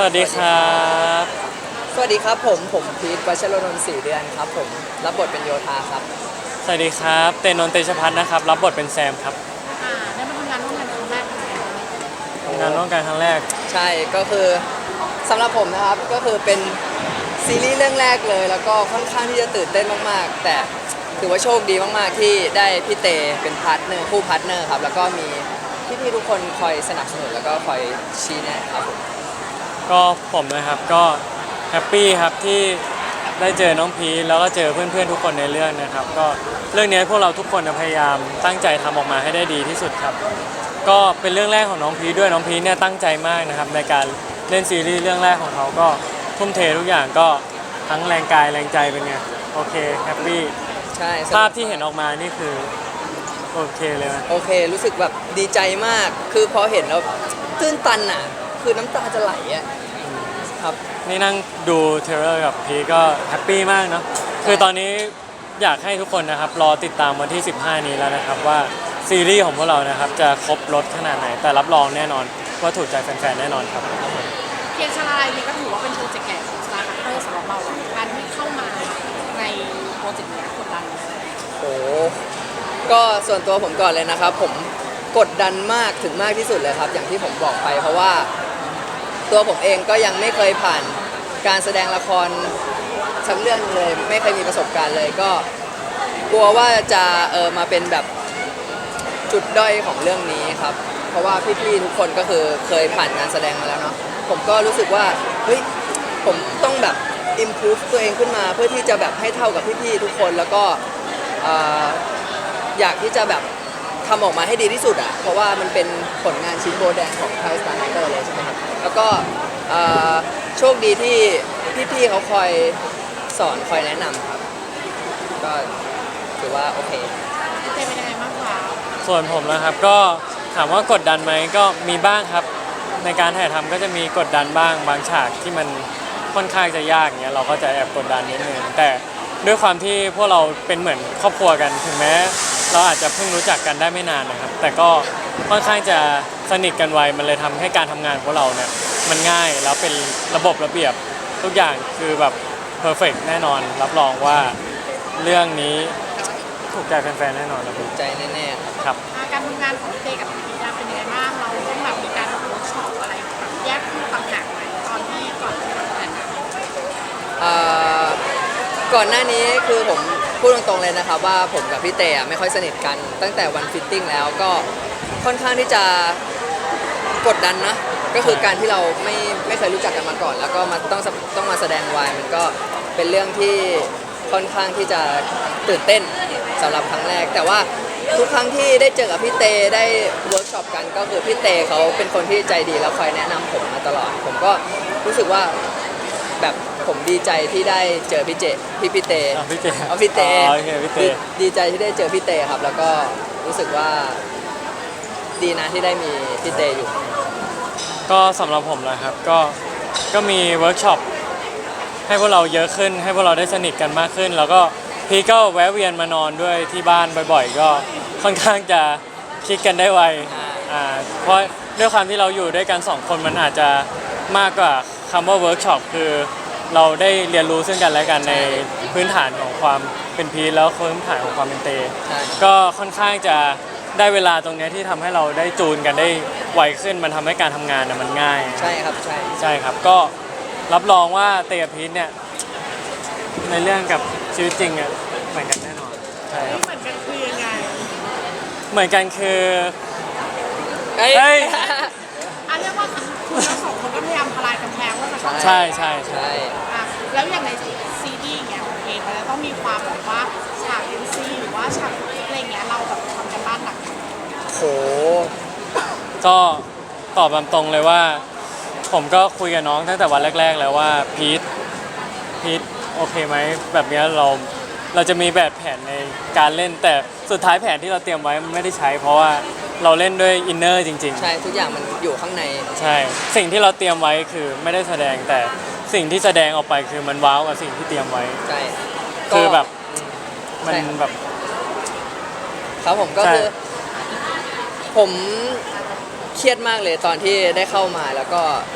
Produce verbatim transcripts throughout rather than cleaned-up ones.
วัสดีครับสวัสดีครับผมผมพีทวัชรนนท์สี่เดือนครับผมรับบทเป็นโยธาครับสวัสดีครับเตนนนท์เตชพัฒน์นะครับรับบทเป็นแซมครับอ่าได้มาทำงานร่วมกันครั้งแรกเป็นไงบ้างทำงานร่วมกันครั้งแรกใช่ก็คือสำหรับผมนะครับก็คือเป็นซีรีส์เรื่องแรกเลยแล้วก็ค่อนข้างที่จะตื่นเต้นมากๆแต่ถือว่าโชคดีมากๆที่ได้พี่เตเป็นพาร์ทเนอร์คู่พาร์ทเนอร์ครับแล้วก็มีพี่ๆทุกคนคอยสนับสนุนแล้วก็คอยชี้แนะครับผมก็ผมนะครับก็แฮปปี้ครับที่ได้เจอน้องพีชแล้วก็เจอเพื่อนๆทุกคนในเรื่องนะครับก็เรื่องนี้พวกเราทุกคนพยายามตั้งใจทำออกมาให้ได้ดีที่สุดครับก็เป็นเรื่องแรกของน้องพีชด้วยน้องพีชเนี่ยตั้งใจมากนะครับในการเล่นซีรีส์เรื่องแรกของเขาก็ทุ่มเททุกอย่างก็ทั้งแรงกายแรงใจเป็นไงโอเคแฮปปี้ใช่ภาพที่เห็นออกมานี่คือโอเคเลยนะโอเครู้สึกแบบดีใจมากคือพอเห็นแล้วตื้นตันอ่ะคือน้ำตาจะไหลอ่ะครับนี่นั่งดูเทรลเลอร์กับพีก็แฮปปี้มากเนาะคือตอนนี้อยากให้ทุกคนนะครับรอติดตามวันที่ สิบห้า นี้แล้วนะครับว่าซีรีส์ของพวกเรานะครับจะครบรสขนาดไหนแต่รับรองแน่นอนว่าถูกใจแฟนๆแน่นอนครับเพียงชาลาลัยนี่ก็ถือว่าเป็นโปรเจกต์ใหญ่ของ Star Hunter สำหรับเราการที่เข้ามาในโปรเจกต์นี้กดดันไหมโอ้ก็ส่วนตัวผมก่อนเลยนะครับผมกดดันมากถึงมากที่สุดเลยครับอย่างที่ผมบอกไปเพราะว่าตัวผมเองก็ยังไม่เคยผ่านการแสดงละครสักเรื่องเลยไม่เคยมีประสบการณ์เลยก็กลัวว่าจะเออมาเป็นแบบจุดด้อยของเรื่องนี้ครับเพราะว่าพี่ๆทุกคนก็คือเคยผ่านงานแสดงมาแล้วเนาะผมก็รู้สึกว่าเฮ้ยผมต้องแบบ improve ตัวเองขึ้นมาเพื่อที่จะแบบให้เท่ากับพี่ๆทุกคนแล้วก็อยากที่จะแบบทำออกมาให้ดีที่สุดอ่ะเพราะว่ามันเป็นผลงานชิ้นโบแดงของไทยสตาร์ไนเตอร์เลยใช่ไหมครับแล้วก็โชคดีที่พี่ๆเขาคอยสอนคอยแนะนำครับก็ถือว่าโอเคเจเป็นยังไงบ้างคะส่วนผมนะครับก็ถามว่ากดดันไหมก็มีบ้างครับในการถ่ายทำก็จะมีกดดันบ้างบางฉากที่มันค่อนข้างจะยากเงี้ยเราก็จะแอบกดดันนิดนึงแต่ด้วยความที่พวกเราเป็นเหมือนครอบครัวกันถึงแม้เราอาจจะเพิ่งรู้จักกันได้ไม่นานนะครับแต่ก็ค่อนข้างจะสนิทกันไวมันเลยทำให้การทำงานของพวกเราเนี่ยมันง่ายแล้วเป็นระบบระเบียบทุกอย่างคือแบบเพอร์เฟกต์แน่นอนรับรองว่าเรื่องนี้ถูกใจแฟนๆแน่นอนครับถูกใจแน่ๆครับการทำงานของพี่เต้กับพี่พีเป็นยังไงบ้างเราต้องแบบมีการเวิร์กช็อปอะไรแบบแยกคู่ต่างหากไหมตอนที่ก่อนที่จะทำงานก่อนหน้านี้คือผมพูดตรงๆเลยนะครับว่าผมกับพี่เตะไม่ค่อยสนิทกันตั้งแต่วันฟิตติ้งแล้วก็ค่อนข้างที่จะกดดันนะก็คือการที่เราไม่ไม่เคยรู้จักกันมาก่อนแล้วก็มาต้องต้องมาแสดงวายมันก็เป็นเรื่องที่ค่อนข้างที่จะตื่นเต้นสำหรับครั้งแรกแต่ว่าทุกครั้งที่ได้เจอกับพี่เตได้เวิร์กช็อปกันก็คือพี่เตเขาเป็นคนที่ใจดีแล้วคอยแนะนำผมมาตลอดผมก็รู้สึกว่าแบบผมดีใจที่ได้เจอพี่เจพี่พี่เตพี่เตเอาพี่เตโอเคพี่เตดีใจที่ได้เจอพี่เตครับแล้วก็รู้สึกว่าดีนะที่ได้มีพี่เตอยู่ก็สำหรับผมนะครับก็ก็มีเวิร์กช็อปให้พวกเราเยอะขึ้นให้พวกเราได้สนิทกันมากขึ้นแล้วก็พี่ก็แวะเวียนมานอนด้วยที่บ้านบ่อยๆก็ค่อนข้างจะคลิกกันได้ไวอ่าเพราะด้วยความที่เราอยู่ด้วยกันสองคนมันอาจจะมากกว่าคำว่าเวิร์กช็อปคือเราได้เรียนรู้ซึ่งกันและกันในพื้นฐานของความเป็นพีแล้วพื้นฐานของความเป็นเตก็ค่อนข้างจะได้เวลาตรงนี้ที่ทำให้เราได้จูนกันได้ไวขึ้นมันทำให้การทำงานมันง่ายใช่ครับใช่ใช่ครับก็รับรองว่าเตกับพีทเนี่ยในเรื่องกับชีวิตจริงอ่ะเหมือนกันแน่นอนใช่ครับเหมือนกันคือยังไงเหมือนกันคือเฮ้ยอ่ะเรียกว่าคุณทั้งสองคนก็พยายามทลายกำแพงว่าจะใช่ใช่ใช่อ่ะแล้วอย่างในซีดีเงี้ยเองมันจะต้องมีความแบบว่าฉากเอ็นซีหรือว่าฉากอะไรเงี้ยเราแบบทำกันบ้านหนักโหก็ตอบตามตรงเลยว่าผมก็คุยกับน้องตั้งแต่วันแรกๆแล้วว่าพีทพีทโอเคไหมแบบนี้เราเราจะมีแบบแผนในการเล่นแต่สุดท้ายแผนที่เราเตรียมไว้มันไม่ได้ใช้เพราะว่าเราเล่นด้วยอินเนอร์จริงๆใช่ทุกอย่างมันอยู่ข้างในใช่สิ่งที่เราเตรียมไว้คือไม่ได้แสดงแต่สิ่งที่แสดงออกไปคือมันว้าวกับสิ่งที่เตรียมไว้ใช่คือแบบมันแบบครับผมก็คือผมเครียดมากเลยตอนที่ได้เข้ามาแล้วก็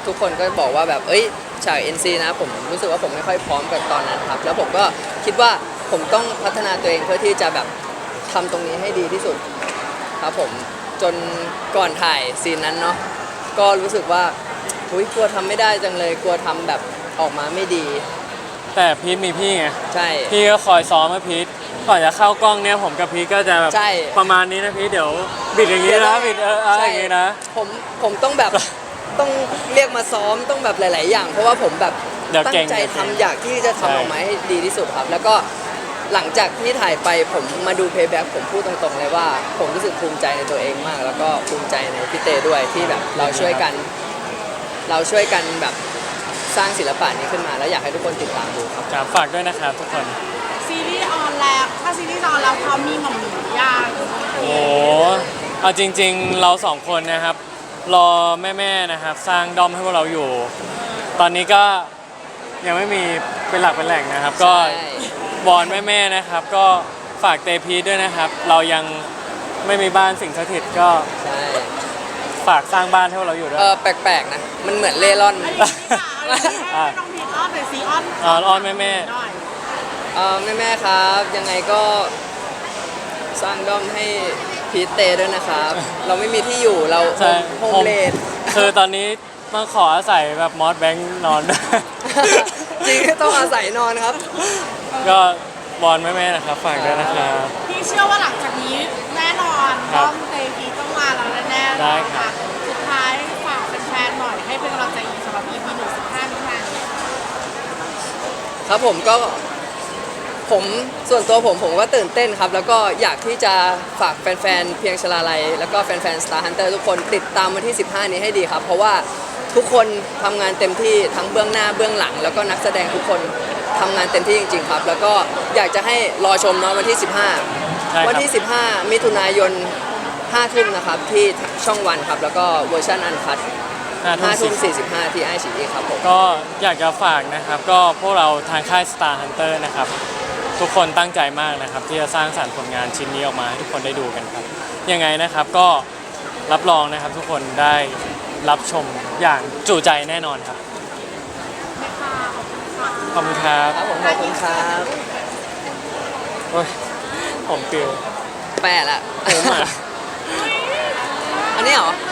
ทุกคนก็บอกว่าแบบเอ้ยฉาก เอ็น ซี นะผมรู้สึกว่าผมไม่ค่อยพร้อมกับตอนนั้นครับแล้วผมก็คิดว่าผมต้องพัฒนาตัวเองเพื่อที่จะแบบทำตรงนี้ให้ดีที่สุดครับผมจนก่อนถ่ายซีนนั้นเนาะก็รู้สึกว่าอุ้ยกลัวทำไม่ได้จังเลยกลัวทำแบบออกมาไม่ดีแต่พีทมีพี่ไงใช่พี่ก็คอยซ้อมให้พีทก่อนจะเข้ากล้องเนี่ยผมกับพีทก็จะแบบใช่ประมาณนี้นะพีทเดี๋ยวบิดอย่างนี้นะบิดเออเอออย่างนี้นะผมผมต้องแบบ ต้องเรียกมาซ้อมต้องแบบหลาย ๆ อย่าง เพราะว่าผมแบบเดี๋ยวตั้เก่งงใจเดี๋ยวเก่งทำอยากที่จะใช่ทำออกมาให้ดีที่สุดครับ แล้วก็หลังจากที่ถ่ายไปผมมาดูเพย์แบ็กผมพูดตรง ๆ เลยว่า ผมรู้สึกภูมิใจในตัวเองมาก แล้วก็ภูมิใจในพี่เตด้วยที่แบบเราช่วยกัน เราช่วยกันแบบสร้างศิลปะนี้ขึ้นมา แล้วอยากให้ทุกคนติดตามดูครับครับฝากด้วยนะครับทุกคนซีรีส์ออนแล้วถ้าซีรีส์ออนแล้วเขามีหม่อมหนูย่างโอ้โหเอาจริง ๆ เราสองคนนะครับ รอแม่ๆนะครับ สร้างด้อมให้พวกเราอยู่ ตอนนี้ก็ยังไม่มีเป็นหลักเป็นแหล่งนะครับ ก็ใช่วอนแม่ๆนะครับ ก็ฝากเตพีทด้วยนะครับ เรายังไม่มีบ้านสิ่งสถิตก็ใช่ฝากสร้างบ้านให้พวกเราอยู่ด้วเอย อแปลก ๆ นะ มันเหมือนเล่ร่อนอันนี้ค่ะอันนี้ให้น้องพีทอ้อนหน่อยซีอ้อนอ่าอ้อนแม่ๆหน่อยเออแม่แม่ๆครับ ยังไงก็สร้างด้อมให้พีทเตด้วยนะครับ เราไม่มีที่อยู่เราใช่โฮมเลดคือตอนนี้ต้องขออาศัยแบบมอสแบงค์นอนด้วยจริงๆต้องอาศัยนอนครับก็บอลแม่ๆนะครับ ฝากด้วยนะครับพี่เชื่อว่าหลังจากนี้แน่นอนครัต้บองเตพีทต้องมาแล้วแน่ๆได้ครัค่ะบสุดท้ายฝากแฟนๆหน่อยให้เป็นกำลังใจสำหรับ อี พี หนึ่งสิบห้านี้ค่ะครับผมก็ผมส่วนตัวผมผมก็ตื่นเต้นครับ แล้วก็อยากที่จะฝากแฟนๆเพียงชลาลัยแล้วก็แฟนๆ Star Hunter ทุกคนติดตามวันที่ สิบห้า นี้ให้ดีครับ เพราะว่าทุกคนทำงานเต็มที่ทั้งเบื้องหน้าเบื้องหลัง แล้วก็นักแสดงทุกคนทำงานเต็มที่จริงๆครับ แล้วก็อยากจะให้รอชมเนาะวันที่ สิบห้าใช่ครับวันที่ สิบห้า มิถุนายนห้าทุ่มนะครับที่ช่องวันครับแล้วก็เวอร์ชันอันคัดห้าห้าทุ่ทุ่มมสิสี่สิบห้าที่ไอชีครับผมก็อยากจะฝากนะครับ ก็พวกเราทางค่าย Star Hunter นะครับ ทุกคนตั้งใจมากนะครับ ที่จะสร้างสรรค์ผลงานชิ้นนี้ออกมาให้ทุกคนได้ดูกันครับ ยังไงนะครับก็รับรองนะครับ ทุกคนได้รับชมอย่างจุใจแน่นอนครับไม่ค่ะขอบคุณค่ะขอบคุณครับครับผมขอบคุณครับโอ้ยผมปิวแปดละผมอ่ะอันนี้เหรอ